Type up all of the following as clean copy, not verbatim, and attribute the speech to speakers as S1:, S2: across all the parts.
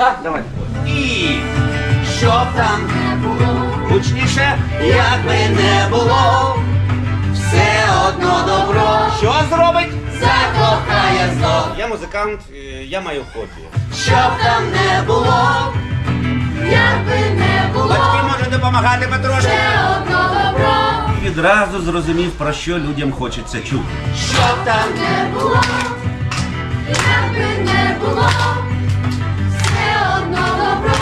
S1: Так, давай. І щоб там не було, гучніше, як би не було, все одно добро. Що зробить? Закохає зло. Я музикант, я маю хобі. Щоб там не було,
S2: Як би не було,
S1: батьки можуть допомагати потрошки.
S2: все одно добро.
S1: І відразу зрозумів, про що людям хочеться чути. Щоб там
S2: Не було, як би не було, все одно добро.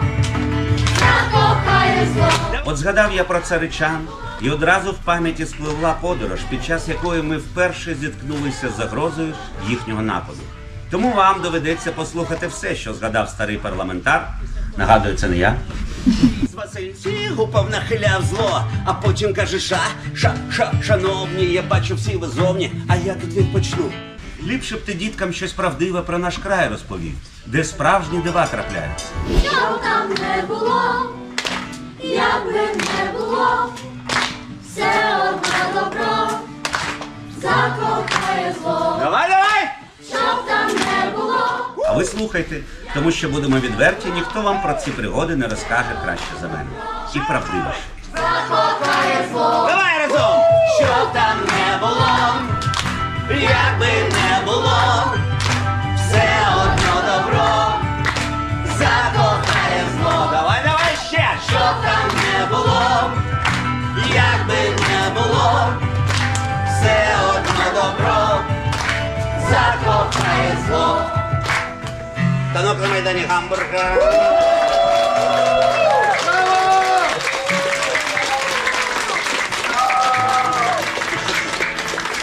S2: Закохає зло.
S1: От згадав я про царичан, і одразу в пам'яті спливла подорож, під час якої ми вперше зіткнулися з загрозою їхнього нападу. Тому вам доведеться послухати все, що згадав старий парламентар. Нагадую, це не я. З Васильці гупав нахиляв зло, а потім каже: шановні, я бачу всі ви зовні, а я тут відпочну. Ліпше б ти діткам щось правдиве про наш край розповів, де справжні дива трапляються.
S2: Що там не було, як би не було, все одно добро. Закохає зло.
S1: Давай, давай!
S2: Щоб там не було,
S1: А ви слухайте, тому що будемо відверті, ніхто вам про ці пригоди не розкаже краще за мене. І правдивіше.
S2: закохає зло.
S1: Давай разом! Що там не було, як би не було, все одно добро закохає зло. Давай, давай ще! Що там не було, як би не було, все одно добро закохає зло. Танок на майдані Гамбурга.